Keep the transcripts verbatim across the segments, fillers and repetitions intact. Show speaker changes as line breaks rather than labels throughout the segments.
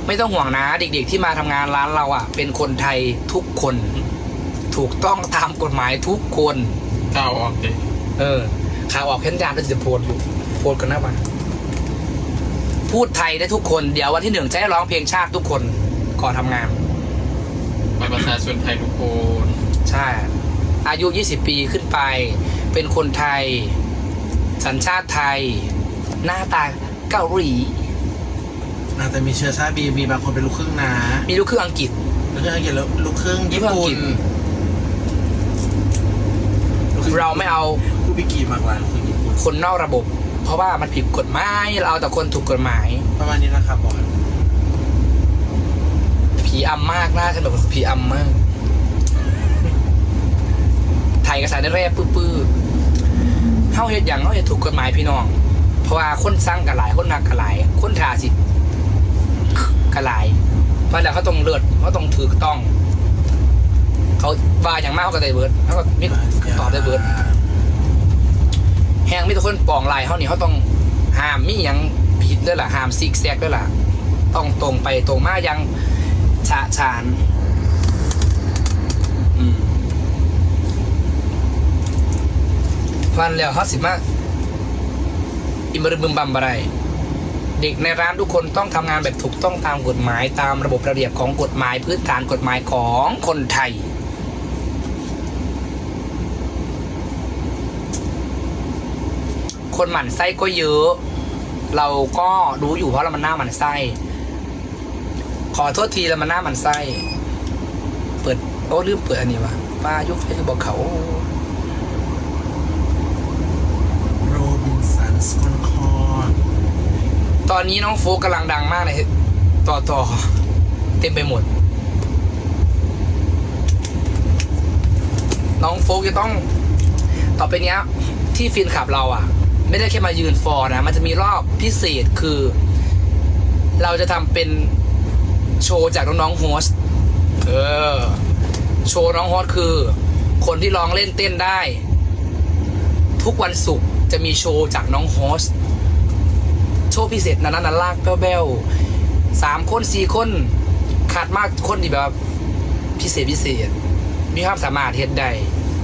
ไม่ต้องห่วงนะเด็กๆที่มาทำงานร้านเราอ่ะเป็นคนไทยทุกคนถูกต้องตามกฎหมายทุกคน
ก้าวออกดิ
เออข่าวออกแค่ยานก็จะโพสต์อยู่โพสต์กันหน้าบ้านพูดไทยได้ทุกคนเดี๋ยววันที่หนึ่งจะให้ร้องเพลงชาติทุกคนก่อนทำงาน
ไปประชาชนไทยทุกคน
ใช่อายุยี่สิบปีขึ้นไปเป็นคนไทยสัญชาติไทยหน้าตาเกาหลี
อาจจะมีเชื้อชาติบีมีบางคนเป็นลูกครึ่งนะ
มีลูกครึ่งอังกฤษ
ลูกครึ่งอังกฤษแล้วลูกครึ่งญี่ปุ่น
เราไม่เอา
ผู้พิกีมากกว่าลูกครึ่งญี่ปุ่น
คนนอกระบบ เพราะว่ามันผิดกฎหมายเราเอาแต่คนถูกกฎหมาย
ประมาณนี้นะครับบอล
ผีอำมากหน้าฉันแบบผีอำมากไทยกระสายได้แร่ปื้อๆเข้าเหตุอย่างเข้าเหตุถูกกฎหมายพี่น้อง เพราะว่าคนสร้างกระหลายคนนักกระหลายคนทาสิกระหลายเพราะแล้วเขาต้องเลือดเขาต้องถือต้อง เขาว่าอย่างมากเขาก็ได้เบิร์ดเขาก็มิตอบได้เบิร์ดแห้งมิตรคนปองลายเขานี่เขาต้องห้ามมิยังผิดด้วยล่ะห้ามซิกแซกด้วยล่ะต้องตรงไปตรงมายังฉะฉานอืมวันแล้วเขาสิมาอิมรึบึมบัมอะไรเด็กในร้านทุกคนต้องทำงานแบบถูกต้องตามกฎหมายตามระบบระเบียบของกฎหมายพื้นฐานกฎหมายของคนไทยคนหมั่นไส้ก็เยอะ เราก็รู้อยู่เพราะเรามันหน้าหมั่นไส้ขอโทษทีแล้วมันหน้าหมั่นไส้เปิดโอ้ลืมเปิดอันนี้วะป้ายุคให้บอกเขา
โรบินสันสคอนคอร์ด
ตอนนี้น้องโฟกกำลังดังมากเลยต่อต่อเต็มไปหมด น้องโฟกจะต้องต่อไปเนี้ยที่ฟินขับเราอ่ะไม่ได้แค่มายืนฟอร์นะมันจะมีรอบพิเศษคือ เราจะทำเป็นโชว์จากน้องๆโฮสต์เออโชว์น้องโฮสต์คือคนที่ร้องเล่นเต้นได้ ทุกวันศุกร์จะมีโชว์จากน้องโฮสต์โชว์พิเศษนั้นนั้นลากแบ้วๆสามคนสี่คนขาดมากคนที่แบบพิเศษพิเศษมีความสามารถเฮ็ดได้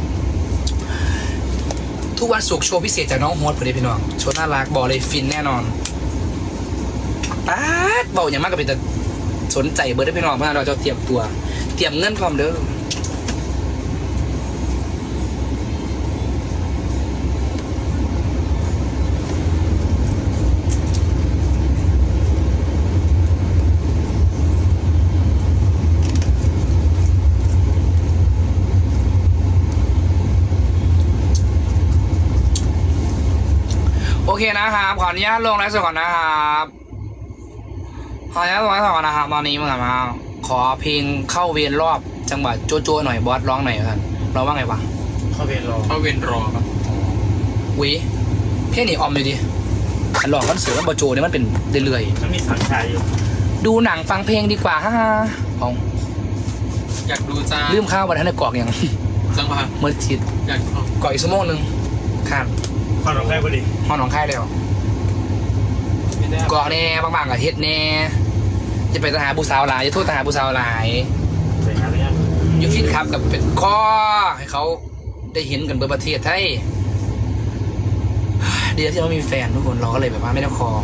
ทุกวันศุกร์โชว์พิเศษจากน้องโฮสต์พอดีพี่น้องโชว์น่ารักบอกเลยฟินแน่นอนป๊าดเบาอย่างมากก็เป็นแต่สนใจเบอร์ได้พี่น้องเพราะเราจะเตรียมตัวเตรียมเงินพร้อมเด้อโอเคนะครับขออนุญาตลงไลฟ์สดก่อนนะครับขออนุญาตลงไลฟ์สดก่อนนะครับตอนนี้มึงมาขอเพลงเข้าเวรรอบจังหวะโจโจ้หน่อยบอสร้องหน่อยกันร้องว่าไงวะ
เข้าเวรรอ
เข้าเวรรอครับ
วิเพลงนี้ออมเลยดิอันหลอกกันเสือมันบอโจเนี่ยมันเป็นเรื่อย
มันมีสังชายอยู่
ๆดูหนังฟังเพลงดีกว่าฮ่าฮ่าเอา
อยากดูจ้า
ลืมข้าววันนั้นในกรอกอย่าง
จังหวะ
เมื่อทิด
อยากเอา
กรอกอีกชั่วโมงหนึ่งข้าม
ความร้องไห้พอดี
ห้องหนองค่ายแล้ว
ไม่ได้
กรอกแน่บางๆกับเฮ็ดแน่จะไปทหารผู้สาวหลายจะโทษทหารผู้สาวหลาย
ไปหาเรื่อง
ยูฟินครับกับเป็นข้อให้เขาได้เห็นกันเบอร์ประเทศไทยเดียวที่เรามีแฟนทุกคนเราก็เลยแบบว่าไม่ได้คอ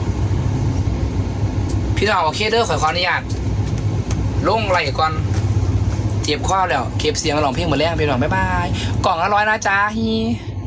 พี่น้องโอเคเด้อขอขออนุญาตลงไหลก่อนเจ็บข้อแล้วเก็บเสียงร้องเพลงหมดแล้วพี่น้องบ๊ายบายกล่องละร้อยนะจ๊ะฮี